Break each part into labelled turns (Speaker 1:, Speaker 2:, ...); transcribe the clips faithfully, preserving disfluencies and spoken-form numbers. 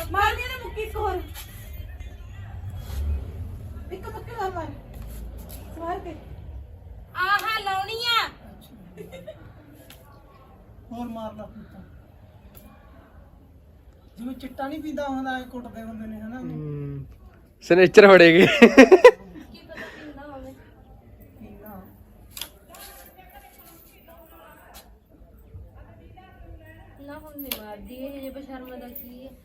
Speaker 1: ਮਾਰਨੀ ਨਾ ਮੁੱਕੀ ਇੱਕ ਹੋਰ ਇੱਕ ਮੁੱਕੀ ਹੋਰ ਮਾਰ ਸਵਾਰ ਕੇ
Speaker 2: ਆਹਾ ਲਾਉਣੀ ਆ
Speaker 3: ਹੋਰ ਮਾਰ ਲਾ ਪੁੱਤਾਂ ਜਿਵੇਂ ਚਿੱਟਾ ਨਹੀਂ ਪੀਂਦਾ ਹੁੰਦਾ ਐ ਕੁੱਟਦੇ ਹੁੰਦੇ ਨੇ ਹਨਾ
Speaker 4: ਸਨੇਚਰ ਫੜੇਗੇ
Speaker 2: ਕੀ ਪਤਾ ਕਿੰਨਾ ਹੋਵੇ
Speaker 3: ਪੀਣਾ
Speaker 2: ਨਾ ਹੁਣ ਨਹੀਂ ਮਾਰਦੀ ਇਹ ਜੇ ਬਸ਼ਰਮ ਦਾ ਕੀ ਹੈ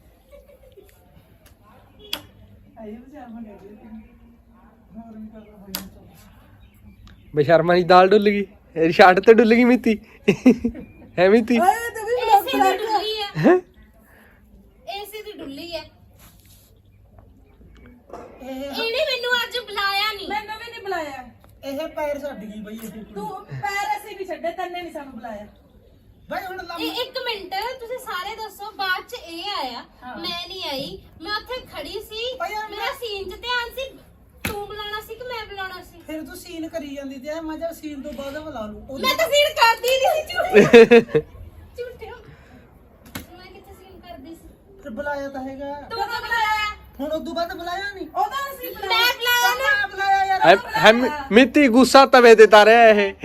Speaker 3: ਆਏ ਵਿਚਾਰ ਮੰਗੇ ਹੋਰ ਵੀ ਕਰਦਾ ਹੋਈ ਨਾ
Speaker 4: ਬੇਸ਼ਰਮਾ ਦੀ ਦਾਲ ਡੁੱਲ ਗਈ ਇਹਦੀ ਸ਼ਰਟ ਤੇ ਡੁੱਲ ਗਈ ਮਿੱਤੀ ਹੈ ਮਿੱਤੀ
Speaker 1: ਓਏ ਤੇ ਵੀ
Speaker 2: ਏਸੀ ਦੀ ਡੁੱਲੀ ਹੈ
Speaker 4: ਹੈਂ?
Speaker 2: ਏਸੀ ਦੀ ਡੁੱਲੀ ਹੈ
Speaker 3: ਇਹ
Speaker 2: ਇਹਨੇ ਮੈਨੂੰ ਅੱਜ ਬੁਲਾਇਆ ਨਹੀਂ
Speaker 1: ਮੈਨੂੰ ਵੀ ਨਹੀਂ ਬੁਲਾਇਆ
Speaker 3: ਇਹ ਪੈਰ ਛੱਡ ਗਈ ਬਈ ਇਹ
Speaker 1: ਤੂੰ ਪੈਰ ਅਸੀਂ ਵੀ ਛੱਡੇ ਤੈਨੇ ਨਹੀਂ ਸਾਨੂੰ ਬੁਲਾਇਆ
Speaker 3: ਬਈ ਹੁਣ ਲੰਮ
Speaker 2: ਇਹ ਇੱਕ ਮਿੰਟ ਤੁਸੀਂ ਸਾਰੇ ਦੱਸੋ ਬਾਅਦ ਚ ਇਹ ਆਇਆ
Speaker 1: ਹਾਂ।
Speaker 2: ਮੈਂ ਨਹੀਂ ਆਈ ਮੈਂ ਉੱਥੇ ਖੜੀ ਸੀ
Speaker 3: ਭਾਈ ਯਾਰ
Speaker 2: ਮੇਰਾ ਸੀਨ 'ਚ ਧਿਆਨ ਸੀ ਤੂੰ ਬੁਲਾਉਣਾ ਸੀ ਕਿ ਮੈਂ ਬੁਲਾਉਣਾ ਸੀ
Speaker 3: ਫਿਰ ਤੂੰ ਸੀਨ ਕਰੀ ਜਾਂਦੀ ਤੇ ਮੈਂ ਜਦ ਸੀਨ ਤੋਂ ਬਾਅਦ ਬੁਲਾ ਲੂ
Speaker 2: ਮੈਂ ਤਾਂ ਸੀਨ ਕਰਦੀ ਨਹੀਂ ਸੀ ਝੂਠੇ ਝੂਠੇ ਮੈਂ ਕਿੱਥੇ ਸੀਨ ਕਰਦੀ ਸੀ
Speaker 3: ਫਿਰ ਬੁਲਾਇਆ ਤਾਂ ਹੈਗਾ
Speaker 2: ਤੂੰ ਤਾਂ ਬੁਲਾਇਆ
Speaker 3: ਹੁਣ ਉਦੋਂ ਬਾਅਦ ਬੁਲਾਇਆ ਨਹੀਂ
Speaker 1: ਉਹਦਾ ਅਸੀਂ
Speaker 2: ਮੈਂ
Speaker 1: ਬੁਲਾਇਆ
Speaker 2: ਬੁਲਾਇਆ ਨਾ
Speaker 3: ਮੈਂ ਬੁਲਾਇਆ ਯਾਰ
Speaker 4: ਹੈ ਹੈ ਮਿੱਤੀ ਗੁੱਸਾ ਤਵੇ ਤੇ ਤਾਰਿਆ ਇਹ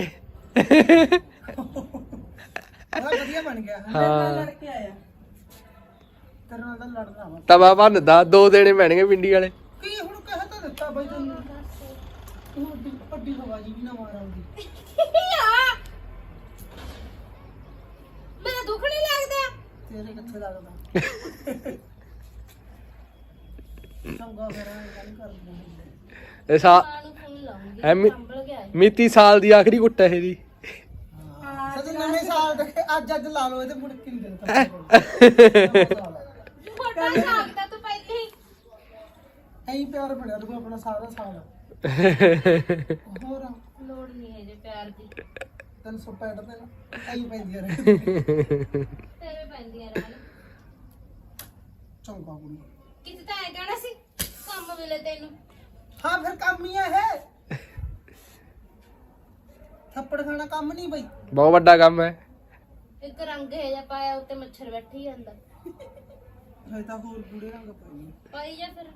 Speaker 3: ਬੜਾ ਵਧੀਆ ਬਣ ਗਿਆ
Speaker 1: ਮੇਰੇ ਨਾਲ
Speaker 4: ਹਾਂ
Speaker 1: ਲੜ ਕੇ ਆਇਆ
Speaker 3: ਤੇਰੇ ਨਾਲ ਤਾਂ ਲੜਨਾ ਵਾ
Speaker 4: ਤਵਾ ਭੰਨਦਾ ਦੋ ਦੇਣੇ ਪੈਣਗੇ ਪਿੰਡੀ ਵਾਲੇ
Speaker 3: ਕੀ ਹੁਣ ਕਹਿ ਤਾਂ ਦਿੱਤਾ ਬਈ ਤੈਨੂੰ ਤੂੰ ਅੱਡੀ ਅੱਡੀ ਹਵਾ ਜੀ ਵੀ ਨਾ ਮਾਰਾਂਗੀ
Speaker 2: ਆ ਮੇਰਾ ਦੁੱਖ ਨਹੀਂ ਲੱਗਦਾ
Speaker 3: ਤੇਰੇ ਕਿੱਥੇ ਲੱਗਦਾ ਚੰਗਾ ਫਿਰ ਐਂ ਗੱਲ ਕਰਦੇ
Speaker 4: ਇਹ ਸਾ
Speaker 2: ਮਾਂ ਨੂੰ ਫੋਨ ਲਾਉਂਗੀ
Speaker 4: ਐ ਮਿ-
Speaker 2: ਸੰਭਲ ਗਿਆ ਇਹ।
Speaker 4: ਮਿੱਤੀ ਸਾਲ ਦੀ ਆਖਰੀ ਕੁੱਟ ਹੈ ਇਹਦੀ
Speaker 3: ਹਾਂ ਸਦ ਨਵੇਂ ਸਾਲ ਦੇ ਅੱਜ ਅੱਜ ਲਾ ਲਓ ਇਹਦੇ ਮੁੜ ਕੇ ਨਹੀਂ ਦਿੰਦਾ
Speaker 2: ਮੋਟਾ ਲੱਗਦਾ ਤੂੰ ਪਹਿਲੇ ਹੀ
Speaker 3: ਐਂ ਪਿਆਰ ਬਣਿਆ ਤੂੰ ਆਪਣਾ ਸਾਰਾ ਸਾਲ ਹੋਰ
Speaker 2: ਲੋੜ ਨਹੀਂ ਹੈ ਜੇ ਪਿਆਰ ਦੀ
Speaker 3: ਤਿੰਨ ਸੌ ਪੈਂਹਠ ਤੇ ਐਂ ਪੈਂਦੀਆਂ ਰਹੇ
Speaker 2: ਤੇਰੇ ਪੈਂਦੀਆਂ ਰਹਿਣ
Speaker 3: ਚੰਗਾ ਕੁੜੀ
Speaker 2: ਕਿਤੇ ਤਾਂ ਐ ਕਹਿਣਾ ਸੀ ਕੰਮ ਮਿਲੇ ਤੈਨੂੰ
Speaker 3: ਹਾਂ ਫਿਰ ਕੰਮ ਹੀ ਆ ਇਹ ਥੱਪੜ ਖਾਣਾ ਕੰਮ ਨਹੀਂ ਬਈ
Speaker 4: ਬਹੁਤ ਵੱਡਾ ਕੰਮ ਹੈ
Speaker 2: ਇੱਕ ਰੰਗ ਹੈ ਜਾਂ ਪਾਇਆ ਉੱਤੇ ਮੱਛਰ ਬੈਠੀ ਜਾਂਦਾ
Speaker 3: ਹਜੇ ਤਾਂ ਹੋਰ ਬੁੜੇ ਰੰਗ ਪਾਈ
Speaker 2: ਪਾਈ ਜਾ ਫਿਰ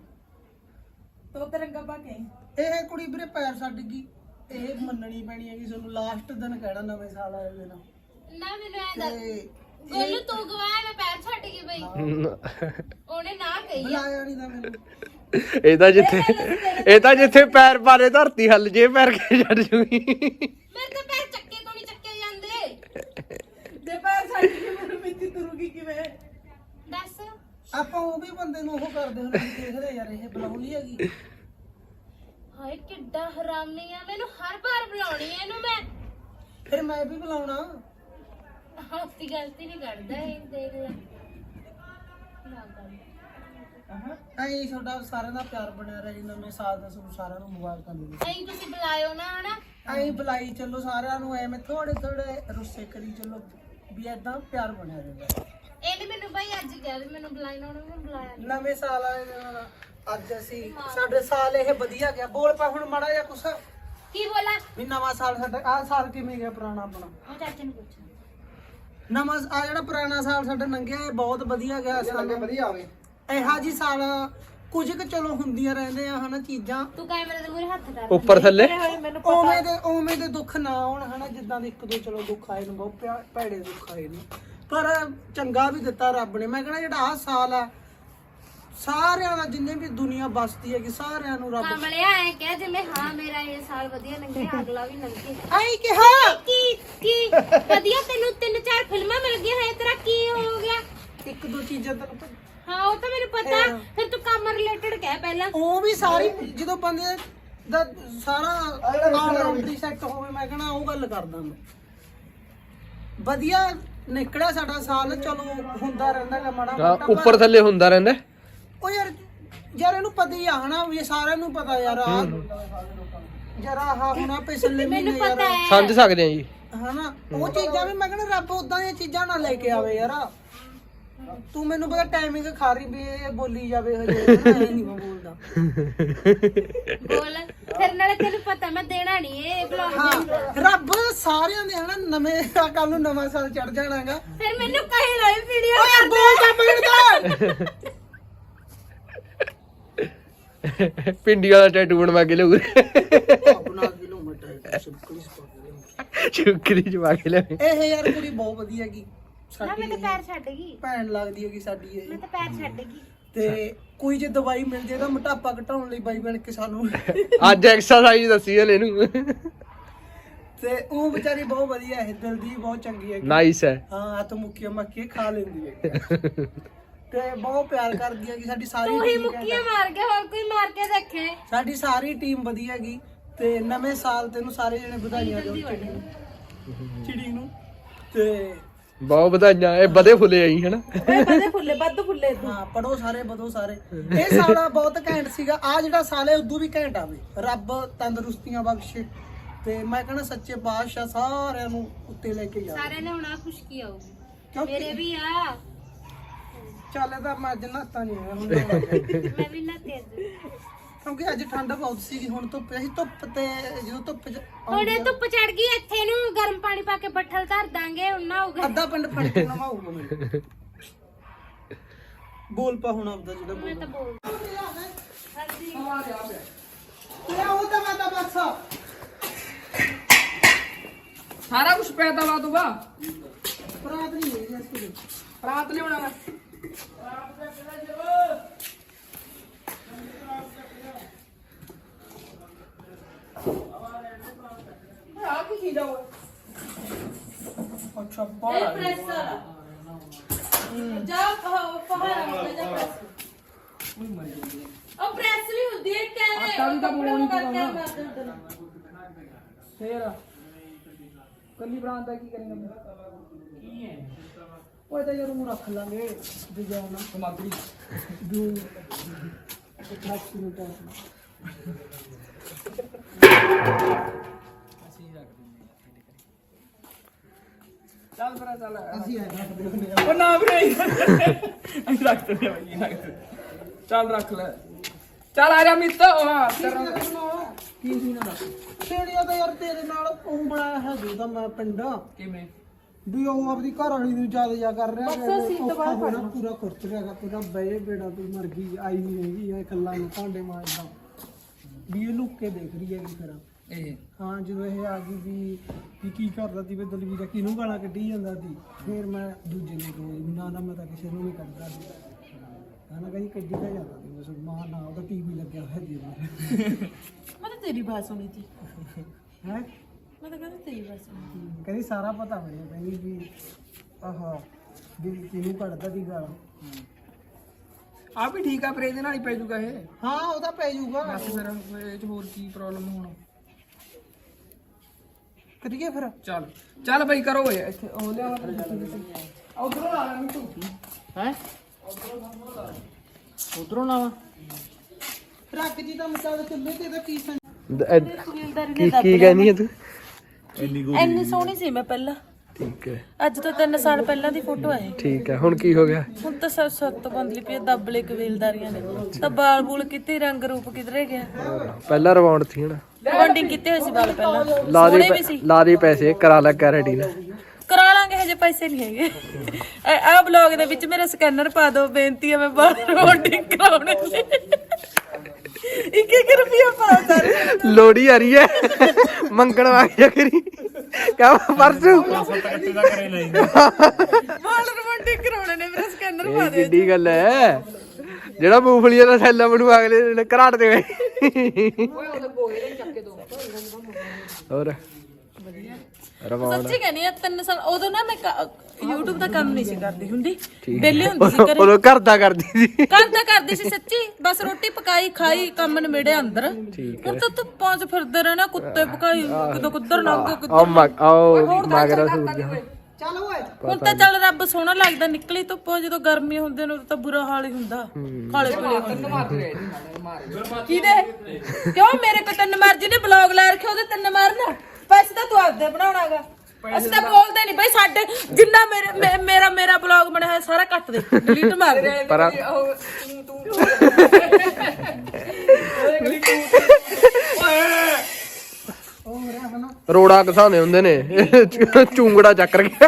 Speaker 1: ਤੋ ਤੇ ਰੰਗਾ ਪਾ ਕੇ
Speaker 3: ਇਹ ਕੁੜੀ ਵੀਰੇ ਪੈਰ ਛੱਡ ਗਈ ਇਹ ਮੰਨਣੀ ਪੈਣੀ ਹੈ ਕਿ ਤੁਹਾਨੂੰ ਲਾਸਟ ਦਿਨ ਕਹਿਣਾ ਨਵੇਂ ਸਾਲ ਆਏ ਦਿਨ
Speaker 2: ਨਾ ਮੈਨੂੰ ਐ ਦੱਸ
Speaker 3: ਤੇ
Speaker 2: ਗੋਲੂ ਤੂੰ ਗਵਾਇਆ ਮੈਂ ਪੈਰ ਛੱਡ ਗਈ ਬਈ ਉਹਨੇ ਨਾ ਕਹੀ ਆ
Speaker 3: ਬੁਲਾਇਆ ਨਹੀਂ ਤਾਂ ਮੈਨੂੰ
Speaker 4: ਇਹ ਤਾਂ ਜਿੱਥੇ ਇਹ ਤਾਂ ਜਿੱਥੇ ਪੈਰ ਪਾਰੇ ਧਰਤੀ ਹੱਲ ਜੇ ਪੈਰ ਕੇ ਛੱਡ ਜੂਗੀ
Speaker 2: ਮੇਰੇ ਤਾਂ ਪੈਰ ਚੱਕੇ ਤੋਂ ਨਹੀਂ ਚੱਕੇ ਜਾਂਦੇ
Speaker 1: ਜੇ ਪੈਰ ਛੱਡ ਕੇ ਮੈਨੂੰ ਮਿੱਤੀ ਤੁਰੂਗੀ ਕਿਵੇਂ
Speaker 2: ਦੱਸ
Speaker 3: ਆਪਾਂ ਉਹ ਵੀ ਬੰਦੇ ਨੂੰ ਉਹ ਕਰਦੇ ਹੁੰਦੇ ਸੀ, ਦੇਖਦੇ ਯਾਰ ਇਹ ਬੁਲਾਉਣੀ ਹੈਗੀ
Speaker 2: ਹਾਏ ਕਿੱਡਾ ਹਰਾਮੀ ਆ ਮੈਨੂੰ ਹਰ ਵਾਰ ਬੁਲਾਉਣੀ ਐ ਇਹਨੂੰ ਮੈਂ
Speaker 3: ਫਿਰ ਮੈਂ ਵੀ ਬੁਲਾਉਣਾ
Speaker 2: ਹੱਸੀ ਗਲਤੀ ਨਹੀਂ ਕਰਦਾ ਇਹ ਦੇਖ ਲੈ ਨਾ ਕਰ
Speaker 3: ਐਂ ਤੁਹਾਡਾ ਸਾਰਿਆਂ ਦਾ ਪਿਆਰ ਬਣਿਆ ਰਹੇ ਨਵੇਂ ਸਾਲ ਦਾ ਤੁਹਾਨੂੰ ਸਾਰਿਆਂ ਨੂੰ ਮੁਬਾਰਕਾਂ ਦੇ ਦਿਓ
Speaker 2: ਐਂ ਤੁਸੀਂ ਬੁਲਾਇਓ ਨਾ ਹਨਾ
Speaker 3: ਐਂ ਬੁਲਾਈ ਚੱਲੋ ਸਾਰਿਆਂ ਨੂੰ ਐਵੇਂ ਥੋੜੇ ਥੋੜੇ ਰੁੱਸੇ ਕਰੀ ਚੱਲੋ ਵੀ ਏਦਾਂ ਪਿਆਰ ਬਣਿਆ ਰਹਿੰਦਾ
Speaker 2: ਇਹਨੇ ਮੈਨੂੰ ਭਾਈ ਅੱਜ ਕਿਹਾ ਵੀ ਮੈਨੂੰ ਬੁਲਾਈ ਨਾ ਉਹਨੇ ਮੈਨੂੰ ਬੁਲਾਇਆ ਨੀ।
Speaker 3: ਨਵੇਂ ਸਾਲ ਵਾਲੇ ਦਿਨ ਅੱਜ ਅਸੀਂ ਸਾਡੇ ਸਾਲ ਇਹ ਵਧੀਆ ਗਿਆ ਬੋਲ ਪਾ ਹੁਣ ਮਾੜਾ ਜਿਹਾ ਕੁਛ
Speaker 2: ਕੀ ਬੋਲਾ
Speaker 3: ਵੀ ਨਵਾਂ ਸਾਲ ਸਾਡਾ ਆਹ ਸਾਲ ਕਿਵੇਂ ਗਿਆ ਪੁਰਾਣਾ ਆਪਣਾ
Speaker 2: ਉਹ ਚਾਚੇ ਨੂੰ ਪੁੱਛ
Speaker 3: ਨਵਾਂ ਆ ਜਿਹੜਾ ਪੁਰਾਣਾ ਸਾਲ ਸਾਡਾ ਲੰਘਿਆ ਇਹ ਬਹੁਤ ਵਧੀਆ ਗਿਆ ਸਾਲ ਵਧੀਆ ਆਵੇ ਇਹੋ ਜੀ ਸਾਲ ਕੁਝ ਕੁ ਚਲੋ ਹੁੰਦੀਆਂ ਰਹਿੰਦੇ ਆ ਹਨਾ ਚੀਜ਼ਾਂ
Speaker 2: ਤੂੰ ਕੈਮਰੇ ਦੇ ਮੂਹਰੇ ਹੱਥ ਕਰ
Speaker 4: ਉੱਪਰ ਥੱਲੇ
Speaker 3: ਉਵੇਂ ਦੇ ਉਵੇਂ ਦੇ ਦੁੱਖ ਨਾ ਆਉਣ ਹਨਾ ਜਿੱਦਾਂ ਦੇ ਇੱਕ ਦੋ ਚਲੋ ਦੁੱਖ ਆਏ ਨੇ ਬਹੁਤ ਪਿਆ- ਭੈੜੇ ਦੁੱਖ ਆਏ ਨੇ ਪਰ ਚੰਗਾ ਵੀ ਦਿੱਤਾ ਰੱਬ ਨੇ ਮੈਂ ਕਹਿੰਦਾ ਜਿਹੜਾ ਆਹ ਸਾਲ ਆ ਸਾਰਿਆਂ ਦਾ ਜਿੰਨੇ ਵੀ ਦੁਨੀਆ ਬਸਦੀ ਹੈਗੀ ਸਾਰਿਆਂ ਨੂੰ ਰੱਬ
Speaker 2: ਕਮਲਿਆ ਐ ਕਹਿ ਜਿਵੇਂ ਹਾਂ ਮੇਰਾ ਇਹ ਸਾਲ ਵਧੀਆ ਲੰਘਿਆ ਅਗਲਾ ਵੀ ਲੰਘੇ
Speaker 3: ਆਈ ਕਿਹਾ
Speaker 2: ਕੀ ਕੀ ਵਧੀਆ ਤੈਨੂੰ ਤਿੰਨ ਚਾਰ ਫਿਲਮਾਂ ਮਿਲ ਗਈਆਂ ਹੈ ਤੇਰਾ ਕੀ ਹੋ ਗਿਆ
Speaker 3: ਇੱਕ ਦੋ ਚੀਜ਼ਾਂ ਤੈਨੂੰ ਪਤਾ-
Speaker 2: ਹਾਂ ਉਹ ਤਾਂ ਮੈਨੂੰ ਪਤਾ ਫਿਰ ਤੂੰ ਕੰਮ ਰਿਲੇਟਡ ਕਹਿ ਪਹਿਲਾਂ
Speaker 3: ਉਹ ਵੀ ਸਾਰੀ ਜਦੋਂ ਬੰਦੇ ਦਾ ਸਾਰਾ ਆਲਰਾਊਂਡਰੀ ਸੈੱਟ ਹੋਵੇ ਮੈਂ ਕਹਣਾ ਉਹ ਗੱਲ ਕਰਦਾ ਮੈਂ ਵਧੀਆ ਨਿਕਲਿਆ ਸਾਡਾ ਸਾਲ ਚਲੋ ਹੁੰਦਾ ਰਹਿੰਦਾ ਗਾ ਮਾੜਾ
Speaker 4: ਹਾਂ,
Speaker 3: ਮੋਟਾ
Speaker 4: ਉੱਪਰ ਥੱਲੇ ਹੁੰਦਾ ਰਹਿੰਦਾ
Speaker 3: ਉਹ ਯਾਰ ਯਾਰ ਇਹਨੂੰ ਪਤਾ ਹੀ ਆ ਹਨਾ ਵੀ ਸਾਰਿਆਂ ਨੂੰ ਪਤਾ ਯਾਰ ਆ ਜਰਾ ਆਹ ਹੁਣਾ ਪਿਛਲੇ ਮਹੀਨੇ
Speaker 2: ਮੈਨੂੰ
Speaker 3: ਯਾਰ
Speaker 2: ਪਤਾ ਹੈ
Speaker 4: ਸਮਝ ਸਕਦੇ ਆ ਜੀ
Speaker 3: ਹਨਾ ਉਹ ਚੀਜ਼ਾਂ ਵੀ ਮੈਂ ਕਹਿੰਦਾ ਰੱਬ ਉਦਾਂ ਦੀਆਂ ਚੀਜ਼ਾਂ ਨਾ ਲੈ ਕੇ ਆਵੇ ਯਾਰ ਤੂੰ ਮੈਨੂੰ ਪਤਾ ਟਾਈਮਿੰਗ ਖਾ ਰਹੀ ਵੀ ਇਹ ਬੋਲੀ ਜਾਵੇ ਹਜੇ ਨਹੀਂ ਮੈਂ ਬੋਲਦਾ
Speaker 2: ਬੋਲ ਫਿਰ ਨਾਲੇ ਤੈਨੂੰ ਪਤਾ ਮੈਂ ਦੇਣਾ ਨਹੀਂ ਇਹ ਬਲੌਗ
Speaker 3: ਹਾਂ ਰੱਬ ਸਾਰਿਆਂ ਦੇ ਹਨਾ ਨਵੇਂ ਕੱਲ ਨੂੰ ਨਵਾਂ ਸਾਲ ਚੜ ਜਾਣਾਗਾ
Speaker 2: ਫਿਰ ਮੈਨੂੰ ਕਹੇ ਨਾ ਵੀਡੀਓ
Speaker 3: ਓ ਯਾਰ ਬੋਲ ਜਾ ਮਿੰਟ
Speaker 4: ਪਿੰਡੀ ਵਾਲਾ ਟੈਟੂ ਬਣਵਾ ਕੇ ਲਿਆਉ
Speaker 3: ਬਣਾ ਕੇ ਲਓ ਮੈਂ ਟਾਈਟ ਸਿੱਪਲੀ ਸਪਾ
Speaker 4: ਚੁੱਕਰੀ ਚ ਪਾ ਕੇ ਲਿਆਵੇ
Speaker 3: ਇਹ ਯਾਰ ਕੁੜੀ ਬਹੁਤ ਵਧੀਆ ਗਈ
Speaker 2: ਨਾ ਮੈਂ ਤਾਂ
Speaker 3: ਸਾਡੀ
Speaker 2: ਪੈਰ ਛੱਡ ਗਈ
Speaker 3: ਭੈਣ ਲੱਗਦੀ ਹੈਗੀ ਸਾਡੀ ਇਹ
Speaker 2: ਮੈਂ ਤਾਂ ਪੈਰ ਛੱਡ ਗਈ
Speaker 3: ਤੇ ਕੋਈ ਜੇ ਦਵਾਈ ਮਿਲ ਜੇ ਤਾਂ ਮੋਟਾਪਾ ਘਟਾਉਣ ਲਈ ਬਾਈ ਬਣ ਕੇ ਸਾਨੂੰ
Speaker 4: ਅੱਜ ਐਕਸਰਸਾਈਜ਼ ਦੱਸੀ ਹਲੇ ਇਹਨੂੰ
Speaker 3: ਤੇ ਉਹ ਵਿਚਾਰੀ ਬਹੁਤ ਵਧੀਆ ਹੈ ਦਿਲ ਦੀ ਬਹੁਤ ਚੰਗੀ ਹੈ
Speaker 4: ਨਾਈਸ ਹੈ
Speaker 3: ਹਾਂ ਤਾਂ ਮੁੱਕੀਆਂ ਮੱਕੀਆਂ ਖਾ ਲੈਂਦੀ ਹੈ ਤੇ ਬਹੁਤ ਪਿਆਰ ਕਰਦੀ ਹੈ ਕਿ ਸਾਡੀ ਸਾਰੀ
Speaker 2: ਤੂੰ ਹੀ
Speaker 3: team
Speaker 2: ਮੁੱਕੀਆਂ ਮਾਰ ਗਿਆ ਹੋਰ ਕੋਈ ਮਾਰ ਕੇ ਦੇਖੇ
Speaker 3: ਸਾਡੀ ਸਾਰੀ ਟੀਮ ਵਧੀਆ ਹੈਗੀ ਤੇ ਨਵੇਂ ਸਾਲ ਤੈਨੂੰ ਸਾਰੇ ਜਣੇ ਵਧਾਈਆਂ ਦਿਓ ਚਿੜੀ ਨੂੰ ਚਿੜੀ ਨੂੰ ਤੇ
Speaker 4: ਬਹੁਤ ਵਧਾਈਆਂ ਇਹ ਵਧੇ ਫੁੱਲੇ ਆਈ ਹਨਾ
Speaker 1: ਬਦੇ ਫੁੱਲੇ ਵੱਧ ਫੁੱਲੇ
Speaker 3: ਹਾਂ ਪੜੋ ਸਾਰੇ ਵਧੋ ਸਾਰੇ ਇਹ ਸਾਲਾ ਬਹੁਤ ਘੈਂਟ ਸੀਗਾ ਆ ਜਿਹੜਾ ਸਾਲ ਹੈ ਉਦੋਂ ਵੀ ਘੈਂਟ ਆਵੇ ਰੱਬ ਤੰਦਰੁਸਤੀਆਂ ਬਖਸ਼ੇ ਤੇ ਮੈਂ ਕਹਿੰਦਾ ਸੱਚੇ ਪਾਤਸ਼ਾਹ ਸਾਰਿਆਂ ਨੂੰ ਉੱਤੇ ਲੈ ਕੇ ਜਾਵੇ
Speaker 2: ਸਾਰਿਆਂ ਨੇ ਹੁਣ ਆ ਖੁਸ਼ਕੀ ਆਊਗੀ
Speaker 3: ਕਿਉਂਕਿ
Speaker 2: ਮੇਰੇ ਵੀ ਆ
Speaker 3: ਚੱਲ ਤਾਂ ਮੈਂ ਅੱਜ ਨਹਾਤਾ ਨਹੀਂ ਹੋਇਆ ਹੁਣ ਨਹਾਵਾਂਗੇ।
Speaker 2: ਮੈਂ ਵੀ ਨਾ ਤੇਜ਼
Speaker 3: ਕਿਉਂਕਿ ਅੱਜ ਠੰਡ ਬਹੁਤ ਸੀਗੀ ਹੁਣ ਧੁੱਪ ਅਸੀਂ ਧੁੱਪ ਤੇ ਜਦੋਂ ਧੁੱਪ ਚ
Speaker 2: ਹੁਣ ਇਹ ਧੁੱਪ ਚੜ ਗਈ ਇੱਥੇ ਨੂੰ ਗਰਮ ਪਾਣੀ ਪਾ ਕੇ ਬੱਠਲ ਧਰ ਦਾਂਗੇ ਹੁਣ ਨਾ ਹੋਊਗਾ
Speaker 3: ਅੱਧਾ ਪਿੰਡ ਫੜ ਕੇ ਨਵਾਊਗਾ ਮੈਨੂੰ ਬੋਲ ਪਾ ਹੁਣ ਆਪਦਾ ਜਿਹੜਾ
Speaker 2: ਮੈਂ ਤਾਂ
Speaker 3: ਬੋਲ
Speaker 2: ਬੋਲ
Speaker 3: ਲੈ ਉਹ ਤਾਂ ਮੈਂ ਤਾਂ ਬਸ
Speaker 1: ਸਾਰਾ ਕੁਝ ਪੈਦਾ ਵਾ ਤੂੰ ਵਾ
Speaker 3: ਪ੍ਰਾਤ ਨਹੀਂ ਹੋਈ ਇਸ ਕੋਲ
Speaker 1: ਰਾਤ ਲਿਆਉਣਾ ਵਾ ਆ ਕੀ ਚੀਜ਼ ਆ ਉਹ
Speaker 3: ਅੱਛਾ ਬਾਹਰ
Speaker 1: ਪ੍ਰੈਸ ਜਾ ਪਹਾੜਾ ਮੋਟਾ ਜਾ ਪ੍ਰੈਸ ਉਹ ਪ੍ਰੈਸ ਵੀ ਹੁੰਦੀ ਹੈ ਕਿਵੇਂ
Speaker 3: ਆਟਾ ਵੀ ਤਾਂ ਬਣਾਉਣੀ
Speaker 1: ਕਰਕੇ
Speaker 3: ਪਊਗਾ।
Speaker 1: ਮਾਰ ਦਿੰਦੇ ਨੇ।
Speaker 3: ਫੇਰ ਕੱਲੀ ਬਰਾਂ ਦਾ ਕੀ ਕਰੇਂਗਾ ਕੀ ਹੈ ਉਹ ਤਾਂ ਯਾਰ ਨੂੰ ਰੱਖ ਲਾਂਗੇ ਡਿਜ਼ਾਈਨ ਸਮਗਰੀ ਦੂ ਇੱਕ ਲੱਖ ਮਿੰਟਾਂ ਚੱਲ ਫਿਰ ਚੱਲ ਅਸੀਂ ਆ ਰੱਖਦੇ ਹੁੰਦੇ ਆ
Speaker 1: ਉਹ ਨਾ ਵੀਰੇ ਅਸੀਂ ਰੱਖ ਦਿੰਦੇ ਆ ਬਈ ਰੱਖ ਦਿੰਦੇ। ਚੱਲ ਰੱਖ ਲੈ ਚੱਲ ਆ ਜਾ ਮਿੱਤ ਉਹ ਹਾਂ ਤੇਰਾ
Speaker 3: ਕੀ ਸੀ ਨਾ ਛੇੜੀਆਂ ਤਾਂ ਯਾਰ ਤੇਰੇ ਨਾਲ ਉਹ ਬਣਾਇਆ ਹੈ ਜੋ ਤਾਂ ਮੈਂ ਪਿੰਡਾਂ
Speaker 1: ਕਿਵੇਂ
Speaker 3: ਵੀ ਉਹ ਆਪਦੀ ਘਰ ਵਾਲੀ ਨੂੰ ਜ਼ਿਆਦਾ ਜਾ ਕਰ ਰਿਹਾ
Speaker 1: ਬਸ ਅਸੀਂ ਤਾਂ ਬਾਹਰ
Speaker 3: ਪੂਰਾ ਪੂਰਾ ਖੁਰਚ ਰਿਹਾਗਾ ਪੂਰਾ ਬਏ ਬੇੜਾ ਤੂੰ ਮਰ ਗਈ ਆਈ ਨਹੀਂ ਹੈਗੀ ਇਹ ਕੱਲਾ ਨੂੰ ਭਾਂਡੇ ਮਾਰਦਾ ਵੀ ਇਹ ਲੁੱਕ ਕੇ ਦੇਖ ਰਹੀ ਹੈਗੀ ਫਿਰ
Speaker 1: ਇਹ
Speaker 3: ਹਾਂ ਜਦੋਂ ਇਹ ਆ ਗਈ ਵੀ ਵੀ ਕੀ ਕਰਦਾ ਸੀ ਵੀ ਦਲਵੀਰਾ ਕਿਹਨੂੰ ਗਾਲਾਂ ਕੱਢੀ ਜਾਂਦਾ ਸੀ ਫਿਰ ਮੈਂ ਦੂਜੇ ਨੂੰ ਕਹੀ ਵੀ ਨਾ ਨਾ ਮੈਂ ਤਾਂ ਕਿਸੇ ਨੂੰ ਨਹੀਂ ਕੱਢਦਾ ਸੀ ਕਹਿੰਦਾ ਕਹੀ ਕੱਢੀ ਤਾਂ ਜਾਂਦਾ ਸੀ ਮੈਂ ਮਾਂ ਨਾ ਉਹਦਾ ਟੀਵੀ ਲੱਗਿਆ ਹੋਇਆ ਜੀ
Speaker 1: ਮੈਂ ਤਾਂ ਤੇਰੀ ਬਾਤ ਸੁਣੀ ਸੀ
Speaker 3: ਹੈ
Speaker 1: ਮੈਂ ਤਾਂ ਕਹਿੰਦਾ ਤੇਰੀ ਬਾਤ ਸੁਣੀ
Speaker 3: ਕਹਿੰਦੀ ਸਾਰਾ ਪਤਾ ਮੈਨੂੰ ਕਹਿੰਦੀ ਵੀ ਆਹਾ ਵੀ ਕਿਹਨੂੰ ਕੱਢਦਾ ਸੀ ਗਾਲਾਂ
Speaker 1: ਆ ਵੀ ਠੀਕ ਆ ਪਰ ਇਹਦੇ ਨਾਲ ਹੀ ਪੈ ਜੂਗਾ ਇਹ
Speaker 3: ਹਾਂ ਉਹਦਾ ਪੈ ਜਾਊਗਾ
Speaker 1: ਬਸ ਫਿਰ ਇਹ ਚ ਹੋਰ ਕੀ ਪ੍ਰੋਬਲਮ ਹੋਣਾ
Speaker 3: ਕਰੀਏ ਫਿਰ
Speaker 1: ਚੱਲ ਚੱਲ ਬਈ ਕਰੋ ਓਏ ਇੱਥੇ ਉਹ ਲਿਆ ਉਧਰੋਂ ਆ ਲੈ ਤੂੰ
Speaker 3: ਹੈ ਉਧਰੋਂ ਨਾ ਰੱਖ ਜੀ ਤਾਂ ਮਸਾਲਾ ਚੱਲੇ ਤੇ ਇਹਦਾ ਕੀ ਸੰ
Speaker 4: ਕੀ ਕੀ ਕਹਿੰਦੀ ਹੈ ਤੂੰ
Speaker 1: ਇੰਨੀ ਸੋਹਣੀ ਸੀ ਮੈਂ ਪਹਿਲਾਂ
Speaker 4: ਠੀਕ ਹੈ
Speaker 1: ਅੱਜ ਤੋਂ ਤਿੰਨ ਸਾਲ ਪਹਿਲਾਂ ਦੀ ਫੋਟੋ ਹੈ
Speaker 4: ਠੀਕ ਹੈ ਹੁਣ ਕੀ ਹੋ ਗਿਆ
Speaker 1: ਹੁਣ ਤਾਂ ਸਭ ਸੱਤ ਬੰਦਲੀ ਪਈ ਦੱਬਲੇ ਕਬੀਲਦਾਰੀਆਂ ਨੇ ਤਾਂ ਬਾਲ ਬੂਲ ਕਿਤੇ ਰੰਗ ਰੂਪ ਕਿਧਰੇ ਗਿਆ
Speaker 4: ਪਹਿਲਾਂ ਰਵਾਉਂਡ ਸੀ ਹਨਾ
Speaker 1: ਬੌਂਡਿੰਗ ਕੀਤੇ ਹੋਏ ਸੀ ਬਾਲ ਪਹਿਲਾਂ
Speaker 4: ਲਾ ਦੇ
Speaker 1: ਸੋਹਣੇ ਵੀ
Speaker 4: ਪੈ-
Speaker 1: ਸੀ
Speaker 4: ਲਾ ਦੇ ਪੈਸੇ ਕਰਾ ਲੈ ਰੈਡੀ ਨਾ
Speaker 1: ਕਰਾ ਲਾਂਗੇ ਹਜੇ ਪੈਸੇ ਨਹੀਂ ਹੈਗੇ ਆ ਬਲੌਗ ਦੇ ਵਿੱਚ ਮੇਰਾ ਸਕੈਨਰ ਪਾ ਦਿਓ ਬੇਨਤੀ ਹੈ ਮੈਂ ਬਾਹਰ ਬੌਂਡਿੰਗ ਕਰਾਉਣੇ ਨੇ ਇੱਕ ਇੱਕ ਰੁਪਿਆ ਪਾ ਦੇ
Speaker 4: ਲੋੜੀ ਆ ਰਹੀ ਹੈ ਮੰਗਣ ਵਾਲੀ ਕਰੀ ਕਾ ਪਰਸੂ
Speaker 1: ਬਾਲ ਬੌਂਡਿੰਗ ਕਰਾਉਣੇ ਨੇ ਮੇਰਾ ਸਕੈਨਰ ਪਾ
Speaker 4: ਇਹ
Speaker 1: ਦਿਓ
Speaker 4: ਕਿੱਡੀ ਗੱਲ ਹੈ ਜਿਹੜਾ ਮੂੰਗਫਲੀਆਂ ਦਾ ਥੈਲਾ ਬਣੂ ਅਗਲੇ ਨੇ ਘਰਾਟ ਦੇ ਹੋਰ ਰਵਾਉਣ
Speaker 1: ਸੱਚੀ ਕਹਿੰਦੀ ਆ ਤਿੰਨ ਸਾਲ ਉਦੋਂ ਨਾ ਮੈਂ ਕ- YouTube ਦਾ ਕੰਮ ਨਹੀਂ ਸੀ ਕਰਦੀ ਹੁੰਦੀ ਵਿਹਲੇ ਹੁੰਦੀ ਸੀ ਘਰੇ
Speaker 4: ਉਦੋਂ ਘਰ ਦਾ ਕਰਦੀ ਸੀ
Speaker 1: ਘਰ ਦਾ ਕਰਦੀ ਸੀ ਸੱਚੀ ਬਸ ਰੋਟੀ ਪਕਾਈ ਖਾਈ ਕੰਮ ਨਿਬੜਿਆ ਅੰਦਰ
Speaker 4: ਠੀਕ
Speaker 1: ਹੁਣ ਤਾਂ ਧੁੱਪਾਂ 'ਚ ਫਿਰਦੇ ਰਹਿਣਾ ਕੁੱਤੇ ਪਕਾਈ ਕਿਦੋਂ ਕੁੱਧਰ ਲੰਘ ਗਏ
Speaker 4: ਆਓ ਮਗ ਆਓ ਮਗਰਾ ਸੂਝ
Speaker 3: ਚੱਲ ਓਏ
Speaker 1: ਹੁਣ ਤਾਂ ਚੱਲ ਰੱਬ ਸੋਹਣਾ ਲੱਗਦਾ ਨਿਕਲੀ ਧੁੱਪੋਂ ਜਦੋਂ ਗਰਮੀ ਹੁੰਦੇ ਨੇ ਉਦੋਂ ਤਾਂ ਬੁਰਾ ਹਾਲ ਹੀ ਹੁੰਦਾ ਕਾਲੇ ਪੀਲੇ ਹੁੰਦੇ ਕਿਹਦੇ ਕਿਉਂ ਮੇਰੇ ਕੋ ਤਿੰਨ ਮਾਰ ਜਿਹਨੇ ਬਲੌਗ ਲਾ ਰੱਖਿਆ ਉਹਦੇ ਤਿੰਨ ਮਾਰਨ ਪੈਸੇ ਤਾਂ ਤੂੰ ਆਪਦੇ ਬਣਾਉਣਾਗਾ ਅਸੀਂ ਤਾਂ ਬੋਲਦੇ ਨਹੀਂ ਬਈ ਸਾਡੇ ਜਿੰਨਾ ਮੇਰੇ ਮੇ- ਮੇਰਾ ਮੇਰਾ ਬਲੌਗ ਬਣਿਆ ਹੋਇਆ ਸਾਰਾ ਕੱਟ ਦੇ ਡਿਲੀਟ ਮਾਰ ਦੇ
Speaker 4: ਪਰ
Speaker 3: ਉਹ ਮੇਰਾ ਹਨਾ
Speaker 4: ਰੋੜਾ ਘਸਾਉਂਦੇ ਹੁੰਦੇ ਨੇ ਚੂੰਗੜਾ ਚੱਕਰ ਗਿਆ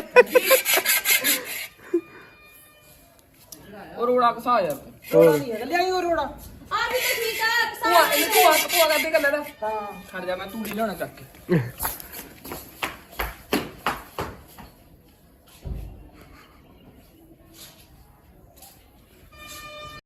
Speaker 1: ਉਹ ਰੋੜਾ ਕਸਾ ਯਾਰ
Speaker 3: ਰੋੜਾ ਨਹੀਂ ਹੈਗਾ ਲਿਆਈ ਉਹ ਰੋੜਾ
Speaker 2: ਆ ਵੀ ਤਾਂ ਠੀਕ ਆ
Speaker 5: ਭੂਆ ਇਹਨੂੰ ਭੂਆ ਭੂਆ ਕਰਦੇ ਕਰ ਲੈਦਾ
Speaker 3: ਹਾਂ
Speaker 5: ਖੜ ਜਾ ਮੈਂ ਤੂੜੀ ਲਿਆਉਣਾ ਚੱਕ ਕੇ